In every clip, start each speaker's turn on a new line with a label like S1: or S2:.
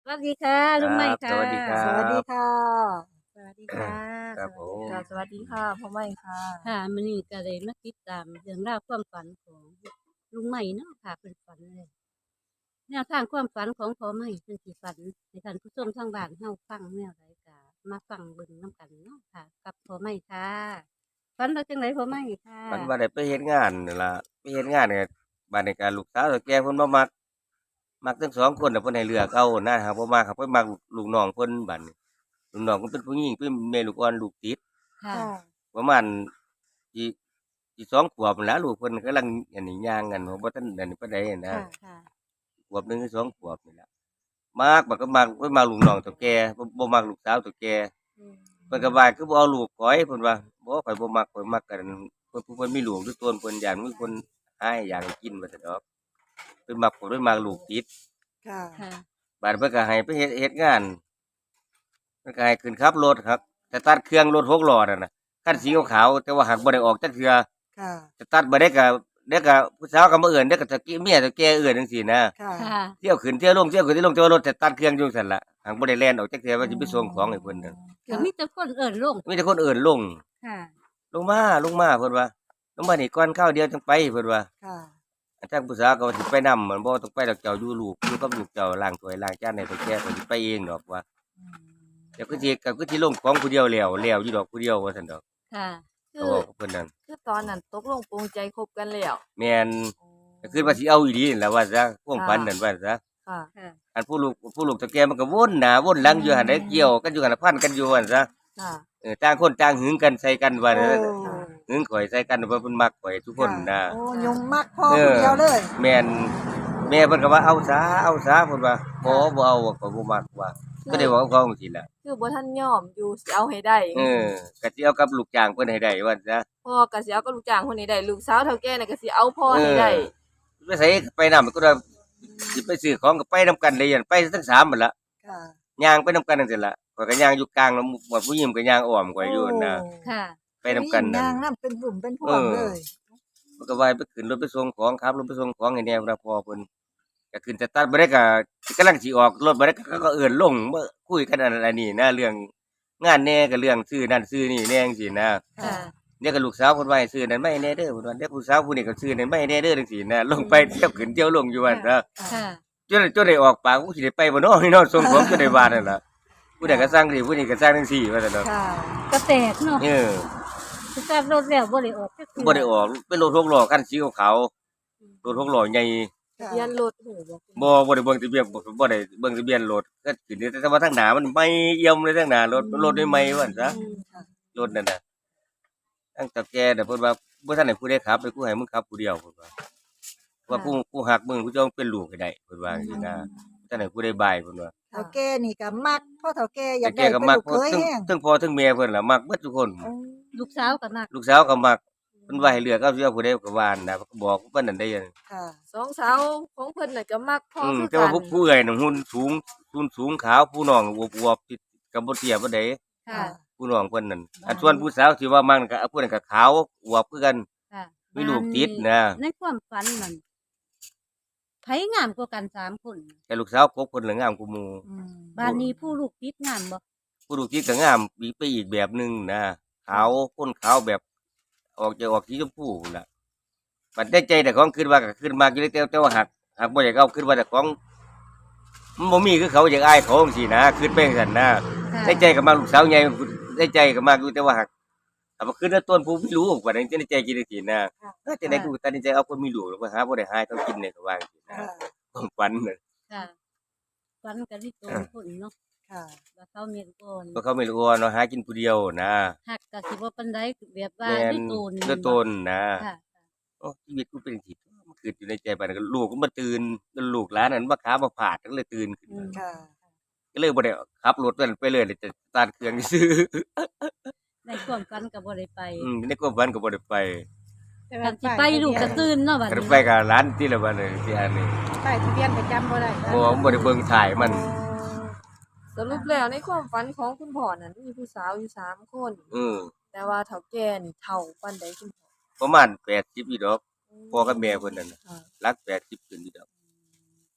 S1: สวัสดีค่ะ
S2: ครั
S1: ลุงใหม่
S2: บส
S1: ค่ะ
S2: วัสดีครั
S3: สวัสดี
S2: บ
S3: ค่ะ
S1: สวัสดีค่ะ
S2: ครับผ
S1: สวัสดี
S2: ม
S3: ค่ะ
S1: ค่ะ
S3: สวัสดีค่ะพ่อใหม่ค่ะ
S1: ค่ะมื้อนี้ก็เลยมาติดตามเรื่องราวความฝันของลุงใหม่เนาะค่ะเพิ่นฝันเลยแนวทางความฝันของพ่อใหม่เพิ่นสิฝันให้ท่านผู้ชมทางบ้านเฮาฟังแนวใดก็มาฟังเบิ่งนำกันเนาะค่ะ กับพ่อใหม่ค่ะฝันว่าจังไดพ่อใหม่ค่ะ
S2: ฝันว่าได้ไปเฮ็ดงานนั่นล่ะไปเฮ็ดงานเนี่ยบัดนี้ก็ลูกสาวเฒ่าแก่เพิ่นบ่มักทั้งสองคนน่ะเพิ่นให้เลือกเอานะครับบ่มักครับเพิ่นมักลูกน้องเพิ่นบัดนี้ลูกน้องเพิ่นเป็นผู้หญิงเป็นแม่ลูกอ่อนลูกติด
S1: ค่ะ
S3: ค่ะ
S2: ประมาณสิสิ2ขวบนั่นล่ะลูกเพิ่นกำลังอันนี้ย่างกันบ่ทันอันนี้ปานใดนะ
S3: ค่ะ
S1: ค่ะ
S2: ขวบหนึ่งหรือ2ขวบนี่ล่ะมักบัดก็มักเพิ่นมักลูกน้องเฒ่าแก่บ่มักลูกสาวเฒ่าแก่
S3: อืม
S2: เพิ่นก็ว่าคือบ่เอาลูกข้อยเพิ่นว่าบ่ข้อยบ่มักข้อยมักกันเพิ่นผู้เพิ่นมีลูกอยู่ต้นเพิ่นย้านมีคนหาให้อยากให้กินว่าซั่นดอกเพิ่นมักผมเพิ่นมักลูกติด
S3: ค่ะ
S1: ค่ะ
S2: บัดเพิ่นก็ให้ไปเฮ็ดงานเพิ่นก็ให้ขึ้นขับรถครับสตาร์ตเครื่องรถ6ล้อนั่นน่ะคันสีขาวๆแต่ว่าหักบ่ได้ออกจักเทื่อ
S3: ค่ะ
S2: สตาร์ตบ่ได้ก็เดี๋ยวก็ผู้สาวก็มาเอิ้นเดี๋ยวก็ตะกี้เมียตะแก่เอิ้นจังซี่นะ
S3: ค่ะ
S1: ค่ะ
S2: เที่ยวขึ้นเที่ยวลงเที่ยวขึ้นเที่ยวลงแต่ว่ารถสตาร์ตเครื่องอยู่ซั่นล่ะหักบ่ได้แล่นออกจักเทื่อว่าสิไปส่งของให้เพิ่นนั่น
S1: ก็มีแต่คนเอิ้นลง
S2: มีแต่คนเอิ้นลง
S1: ค่ะ
S2: ลงมาเพิ่นว่าลงมานี่ก่อนข้าวเดียวจังไปเพิ่นว่า
S3: ค่ะ
S2: อันทางผู้สาวก็ว่าสิไปนำเหมือนบ่ต้องไปดอกเจ้าอยู่กับลูกเจ้าล้างถ้วยล้างจานให้เฒ่าแก่ข้อยสิไปเองดอกว่า
S3: อืม
S2: เดี๋ยวคือสิลงของผู้เดียวแล้วอยู่ดอกผู้เดียวว่าซั่นดอก
S1: ค่ะ
S2: ก็
S4: คือ
S2: เว้ากับเพิ่นนั่น
S4: คือตอนนั้นตกลงปรงใจคบกันแล้ว
S2: แม่น
S4: อ๋อ
S2: ก็คือว่าสิเอาอีหลีนั่นแหละว่าซะความฝันนั่นว่าซะ
S4: ค่ะ
S1: ค่ะ
S2: อันผู้ลูกเฒ่าแก่มันก็วนหน้าวนหลังอยู่หั่นได้เกี่ยวกันอยู่หั่นน่ะพันกันอยู่หั่นซะ
S4: ค่ะ
S2: ต่างคนต่างหึงกันใส่กันว่า
S3: โอ้
S2: นั้น
S4: ค่ะ
S2: หึงข่อยใส่กันว่าเพิ่นมักข่อยทุกคน
S3: ค่ะ
S2: น่ะ
S3: โอ้ยมมักพ่อ
S2: เออ
S3: คนเดียวเลย
S2: แม่นแม่เพิ่นก็ว่าเอาซะเพิ่นว่าบ่เอาข้อยบ่มักว่าก็ได้เว้ากับเขาจังซี่แหละ
S4: คือบ่ทันยอมอยู่สิเอาให้ได้
S2: เออก็สิเอากับลูกจ้างเพิ่นให้ได้ว่าซะ
S4: พ่อก็สิเอากับลูกจ้างคนนี้ได้ลูกสาวเฒ่าแก่น่ะก็สิเอาพ่อ
S2: เออ
S4: ให้ได้
S2: ไปไสไปนำก็ว่าสิไปซื้อของก็ไปนำกันได้ยันไปทั้ง3นั่นล่ะ
S3: ค่ะ
S2: ย่างไปนำกันจังซี่ล่ะข้อยก็ย่างอยู่กลางแล้วหมู่ผู้หญิงก็ย่างอ้อมข้อยอยู่นั่นน่ะ
S1: ค่ะ
S2: ไปนำกันนั่น
S3: ย่างน้ำเป็นบุ่มเป็นพ
S2: เออ
S3: วงเลย
S2: มันก็ว่าให้ไปขึ้นรถไปส่งของครับรถไปส่งของให้แหน่พุ่นน่ะพ่อเพิ่นก็ขึ้นสตาร์ทบ่ได้ก็กำลังสิออกรถบ่ได้ก็เอิ้นลงมาคุยกันอันนั้นอันนี้นะเรื่องงานแหน่ก็เรื่องซื้อนั่นซื้อนี่แหน่จังซี่นะ
S1: ค่ะ
S3: ค่ะ
S2: เดี๋ยวก็ลูกสาวเพิ่นว่าให้ซื้อนั่นมาให้แหน่เด้อเพิ่นว่าเดี๋ยวผู้สาวผู้นี้ก็ซื้อนั่นมาให้แหน่เด้อจังซี่นะลงไปเที่ยวขึ้นเที่ยวลงอยู่ว่าซั่นนะ
S1: ค่ะ
S2: จนได้ออกปากกูสิได้ไปบ่เนาะพี่น้องส่งของจนได้ว่านั่นล่ะผู้ใดก็สร้างสิผู้นี้ก็สร้างจังซี่ว่าซั่นเนาะ
S3: ค่ะ
S1: ก็แตกเนาะ
S2: เออ
S1: สตาร์ทรถแล้วบ่ได้ออกจักเทื่อ
S2: บ่ได้ออกเป็นรถ6ล้อคันสีขาวๆรถ6ล้อใหญ่
S3: ค่ะ
S4: ทะเบียนรถหูบ่
S2: บ่ได้เบิ่งทะเบียนบ่ได้เบิ่งทะเบียนรถก็ขึ้นแต่ว่าทางหน้ามันใหม่เอี่ยมเลยทางหน้ารถใหม่ๆว่าซั่นซะ
S4: อืม
S3: ค่ะ
S2: รถนั่นน่ะทางตาแก่น่ะเพิ่นว่าบ่ทันให้ผู้ใดขับเลยกูให้มึงขับผู้เดียวเพิ่นว่าว่ากูฮักมึงกูจะเอาเป็นลูกให้ได้เพิ่นว่าจังซี่นะบ่ทันให้ผู้ใดบายเพิ่นว่า
S3: เฒ่าแก่นี่ก็มักพ่อเฒ่าแก่อยา
S2: แต่
S3: ก
S2: แก
S3: ได้เป็นลูก
S2: ก็มักเพราะ
S3: เคยแห้ง
S2: ทั้งพ่อทั้งแม่เพิ่นล่ะมักเบิดทุกคน
S3: โอ้
S1: ลูกสาวก็มัก
S2: ลูกสาวก็มักเพิ่นว่าให้เลือกเอาสิเอาผู้ใดก็ว่านั่นน่ะก็บอกเพิ่นนั่นได้ยัง
S3: ค่ะ
S4: สองสาวของเพิ่นน่ะก็มักพ่อคือ
S2: แต่
S4: กั
S2: ว่าน ผู้เอื้อยน่ะหุ่นสูงขาวผู้น้องอวบๆที่ก็บ่เตี้ยปานใด
S1: ค่ะ
S2: ผู้น้องเพิ่นนั่นอันส่วนผู้สาวที่ว่ามักนั่นก็ผู้นั้นก็ขาวอวบคือกัน
S1: ค่ะ
S2: มีลูกติดนะ
S1: ในความฝันนั่นไผงามกว่ากัน3คน
S2: แต่ลูกสาวกกเพิ่นน่ะงามกว่าหมู่
S3: อืม
S1: บ้านนี้ผู้ลูกติดงามบ่
S2: ผู้ลูกติดก็งามอีกไปอีกแบบหนึงนะขาวคนขาวแบบออกสีชมพูพู้นล่ะบัดในใจแต่ของคิดว่าก็คิดมากอยู่แต่ว่าหักบ่อยากเอาคิดว่าแต่ของมันบ่มีคือเขาอยากอายเขาจังซี่นะคิดไปจังซั่นนะ
S1: ค่ะ
S2: ในใจก็มักลูกสาวใหญ่ในใจก็มักอยู่แต่ว่าหักถ้าว่าคิดว่าต้นผู้มีลูกว่านั้นในใจคิดจังซี่นะเออจังได๋กูตัดสินใจเอาคนมีลูกแล้วมาหาบ่ได้หาให้เขากินเนี่ยก็ว่าจังซี่นะ
S3: ค่ะ
S2: ความฝันน่ะ
S1: ค่ะฝันก็สิโตนคนเนาะ
S3: ค่ะ
S1: ว่าเขาเมียก่อน
S2: เพราะเขาไม่รู้ว่าเนาะหากินผู้เดียวนะ
S1: ฮักก็สิบ่ปานใดแบบว่า
S2: แม่น
S1: ด้วยโตน
S2: ด้วยตนนะ
S1: ค่ะ
S2: โอ้ชีวิตกูเป็นจังซี่มันคิดอยู่ในใจบัดนั้นก็ลูกก็มาตื่นลูกหลานนั้นมาขามาผาดก็เลยตื่นขึ้นมา
S3: ค่ะ
S2: ก็เลยบ่ได้ขับรถไปเลยแต่สตาร์ทเครื่องซื่อ
S1: ในความฝันก็บ่ได้ไป
S2: ในความฝันก็บ่ได้ไป
S1: กันสิไปลูกก็ตื่นเนาะบัด
S2: คัน
S1: นี้
S2: ไปกับร้านที่ละบัดนี้ที่อันนี้
S3: ป้ายทะเบียนก็จำบ่ได้
S2: บ่ได้เบิ่งถ่ายมัน
S4: สรุปแล้วในความฝันของคุณพ่อนั้นมีผู้สาวอยู่3คน แต่ว่าเฒ่าแก่นี่เฒ่าปานใดคุณพ่อ
S2: ประมาณ80อยู่ดอกพ่อกับแม่เพิ่นนั่นน่ะ
S4: ค่ะ
S2: หลัก80ขึ้นอยู่ดอก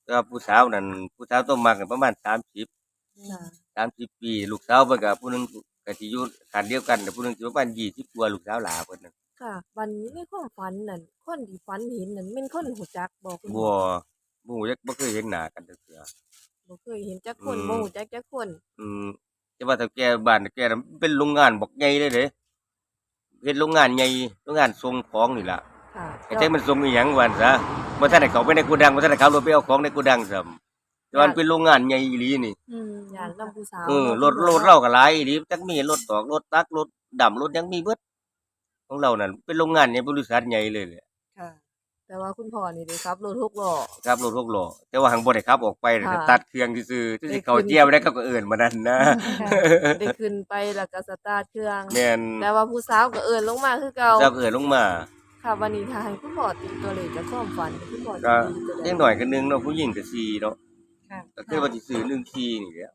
S2: ก็ผู้สาวนั่นผู้สาวต้องมักกันประมาณ30
S4: ค่ะ
S2: 30 ปีลูกสาวเพิ่นก็ผู้หนึงก็สิอยู่คันเดียวกันแต่ผู้หนึงสิประมาณ20กว่าลูกสาวหลาเพิ่นน่ะ
S4: ค่ะวันนี้ในความฝันนั่นคนที่ฝันเห็นนั่นแม่นคนรู้จักบ่คุณ
S2: บ่
S4: พ่อ
S2: บ่รู้จักบ่เคยเห็นหน้ากันจักเทื่อ
S4: บ่เคยเห็นจักคน
S2: อืม
S4: บ่รู้จักจักคน
S2: อืมแต่ว่าถ้าแกบ้านแกน่ะมันเป็นโรงงานบักใหญ่เลยเด้เฮ็ดโรงงานใหญ่โรงงานส่งของนี่ล่ะ
S4: ค่ะ
S2: ไอ้จักมันส่งอีหยังว่าซั่นซะบ่ทันได้เข้าไปในโกดังบ่ทันได้ขับรถไปเอาของในโกดังซ้ำแต่ว่ามันเป็นโรงงานใหญ่อีหลีนี่
S4: ย่านนำผู้สาว
S2: เออ
S4: เนาะ
S2: รถเราก็หลายอีหลีจักมีรถตอกรถตักรถดำรถหยังมีเบิดของเรานั่นเป็นโรงงานใหญ่บริษัทใหญ่เลยแหละ
S3: ค่ะ
S4: แต่ว่าคุณพ่อนี่ได้ขับรถ6ล้อ
S2: ครับรถ6ล้อแต่ว่าหังบ่ได้ขับออกไป
S4: ค่ะ
S2: ตัดเครื่องซื่อๆที่
S4: ได้
S2: สิเข้า
S4: ขึ้น
S2: เจียวได้เขาก็เอิ้นมานั่นนะ
S4: ได้ขึ้นไปแล้วก็สตาร์ทเครื่อง
S2: แม่น
S4: แต่ว่าผู้สาวก็เอิ้นลงมาคือเก่า
S2: เจ้าก็เอิ้นลงมา
S4: ค่ะวันนี้ถ้าให้คุณพ่อตีตัวเลขจากความฝันคุณพ่อจะ
S2: ก็
S4: ตีตัวใด
S2: เล็กน้อยก็1เนาะผู้หญิงก็4เนาะ
S3: ค่ะ
S2: ก็คือว่าสิซื้อ1คีนี่แหละ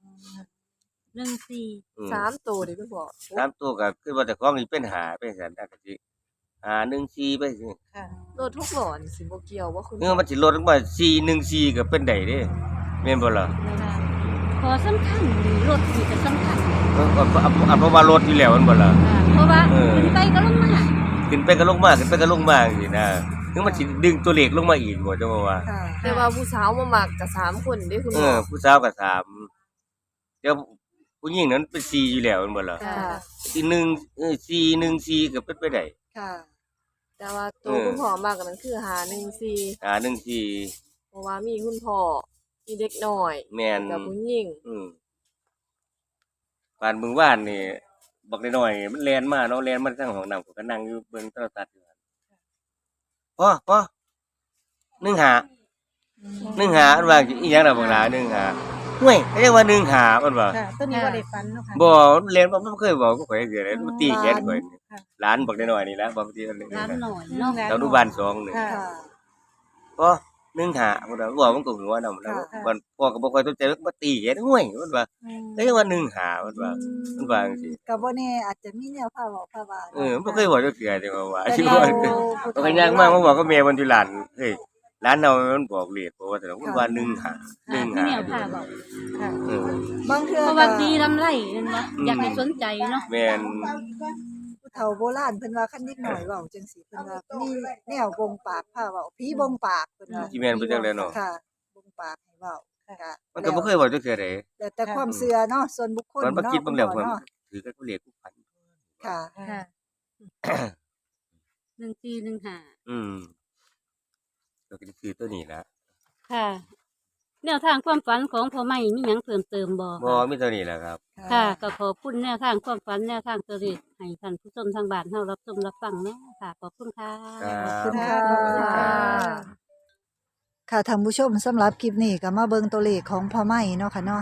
S1: 14
S2: อืม
S4: สามตัวดิคุณพ่อ
S2: สามตัวก็คือว่าแต่ของนี่เป็น5เป็นซั่นน่ะก็สิ5 1 4ไปสิ
S3: ค่ะ
S4: รถ6ล้อนี่สิบ่เกี่ยวว่าคุณ
S2: เออมันสิลดลงมา4 1 4ก็เป็นได้เด้แม่นบ่ล่ะ
S1: ขอสำคัญนี่รถนี่ก็สำคัญ
S2: เออเพราะว่ารถอยู่แล้วแม่นบ่ล่ะ
S1: เพราะว่า
S2: เออ
S1: ขึ้นไปก็ลงมา
S2: ขึ้นไปก็ลงมาขึ้นไปก็ลงมาจังซี่นะถึงมันสิดึงตัวเลขลงมาอีกบ่จังว่า
S3: ค่ะ
S4: แต่ว่าผู้สาวมามักก็3คนเด้คุณ
S2: เอ
S4: พ่อ
S2: อผู้สาวก็3เดี๋ยวผู้หญิงนั้นเป็น4อยู่แล้วแม่นบ่ล่ะ
S4: ค่ะ
S2: อีก4 1 4ก็เป็นไปได้
S3: ค่ะ
S4: แต่ว่าตัว
S2: เออ
S4: คุณพ่อมักนั่นคือ514
S2: 1 4
S4: เพราะว่ามีคุณพ่อมีเด็กน้อย
S2: แม่น
S4: กับผู้หญิง
S2: ปานมื้อวานนี่บักน้อยๆมันแล่นมาเนาะแล่นมาทางห้องน้ำข้อยก็นั่งอยู่เบิ่งโทรทัศน์อยู่หั่นพ่อ15มันว่าอีหยังล่ะบักหลา15ห่วยเขาเรียกว่า15มันว่า
S3: ค่ะตัวนี้บ่ได้ฝันเนาะค่ะ
S2: บ่เรียนบ่เคยบอกกับข่อยจักเทื่อเลยมันตีแขนข่อยนี่
S3: ค่ะ
S2: หลานบักน้อยๆนี่ล่ะบางทีมัน
S1: ร้านหน่อยเนาะ
S2: อนุบาล2นี่
S3: ค่ะ
S2: บ่15มันว่ามันก็หัวนำแล้ว
S3: ค่ะ
S2: มันพ่อก็บ่ค่อยสนใจมันมาตีแขนห่วยมันว่าเขาเรียกว่า15มันว่ามันว่าจังซี่
S3: ก็บ่แน่อาจจะมีแนวพาเว้าพาว่า
S2: มันบ่เคยบอกจักเทื่อจังว่า
S3: แต่
S2: สิ
S3: แน
S2: บ่
S3: ว
S2: มันก็ย่างมามาบอกกับแม่มันอยู่หลานเฮ้ยหลานเรามันบอกเลขเพราะว่าแต่มันว่า15
S1: ผู้แนวพาบอก
S3: ค่ะ
S2: เออบ
S3: างเทื่อ
S1: เพราะว่าตีลำไรนั่นวะอยากให้สนใจเนาะ
S2: แม่น
S3: ผู้เฒ่าโบราณเพิ่นว่าคันเด็กน้อยเว้าจังซี่เพิ่นว่ามีแนวบ่งปากพาเว้าผีบ่งปากเพิ่นว่า
S2: สิแม่นไปจังได๋เนาะ
S3: ค่ะบ่งปากให้เว้าค่ะ
S2: มันก็บ่เคยบอกจักเทื่อใด
S3: แล้วแต่ความเชื่อเนาะส่วนบุคคล
S2: มันบ่
S3: เนาะ
S2: คิดเบิ่งแล้ว
S3: คุ
S2: เพิ่
S3: ณ
S2: น
S3: พ่อเนาะ
S2: ถือกับเลขผู้พัน
S3: ค่ะ
S1: ค่ะ1415
S2: อืมก็คือตัวนี้ล่ะ
S1: ค่ะ แนวทางความฝันของพ่อใหม่มีหยังเพิ่มเติมบ่
S2: บ่
S1: คะ
S2: มีตัวนี้แหละครับ
S1: ค่ะก็ขอบคุณแนวทางความฝันแนวทางตัวเลขให้ท่านผู้ชมทางบ้านเฮารับชมรับฟังเนาะค่ะ ขอบคุณค่ะ
S2: ครับ
S3: ขอบคุณค่ะ
S4: ขอบคุณค่ะ
S3: ค่ะท่านผู้ชมสำหรับคลิปนี้ก็มาเบิ่งตัวเลขของพ่อไม้เนาะค่ะเนาะ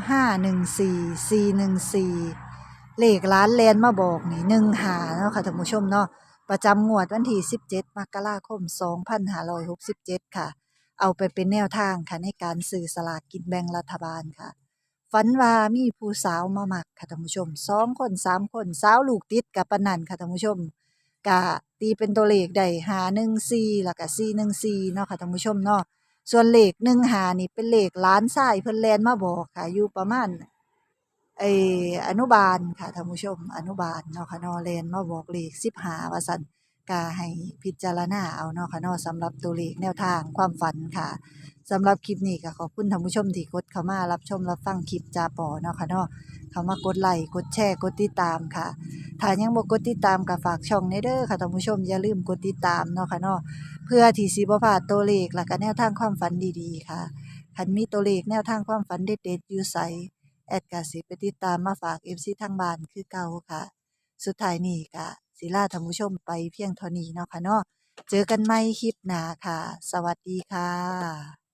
S3: 514414เลขล้านแลนมาบอกนี่15เนาะค่ะท่านผู้ชมเนาะประจำงวดวันที่17มกราคม2567ค่ะเอาไปเป็นแนวทางค่ะในการซื้อสลากกินแบ่งรัฐบาลค่ะฝันว่ามีผู้สาวมามักค่ะท่านผู้ชม2คน3คนสาวลูกติดกับปานนั้นค่ะท่านผู้ชมก็ตีเป็นตัวเลขได้514แล้วก็414เนาะค่ะท่านผู้ชมเนาะ ส่วนเลข15นี่เป็นเลขหลานชายเพิ่นแล่นมาบอกค่ะอยู่ประมาณอนุบาลค่ะท่านผู้ชมอนุบาลเนาะค่ะเนาะแล่นมาบอกเลข15ว่าซั่นก็ให้พิจารณาเอาเนาะค่ะเนาะสำหรับตัวเลขแนวทางความฝันค่ะสำหรับคลิปนี้ก็ขอบคุณท่านผู้ชมที่กดเข้ามารับชมรับฟังคลิปจาปอเนาะค่ะเนาะเข้ามากดไลค์กดแชร์กดติดตามค่ะถ้ายังบ่กดติดตามก็ฝากช่องในเด้อค่ะท่านผู้ชมอย่าลืมกดติดตามเนาะค่ะเนาะ เพื่อที่สิบ่พลาดตัวเลขและก็แนวทางความฝันดีๆค่ะคันมีตัวเลขแนวทางความฝันเด็ดๆอยู่ไสแอดก็สิไปติดตามมาฝาก FC ทางบ้านคือเก่าค่ะ สุดท้ายนี้ก็สิลาท่านผู้ชมไปเพียงเท่านี้เนาะค่ะเนาะเจอกันใหม่คลิปหน้าค่ะ สวัสดีค่ะ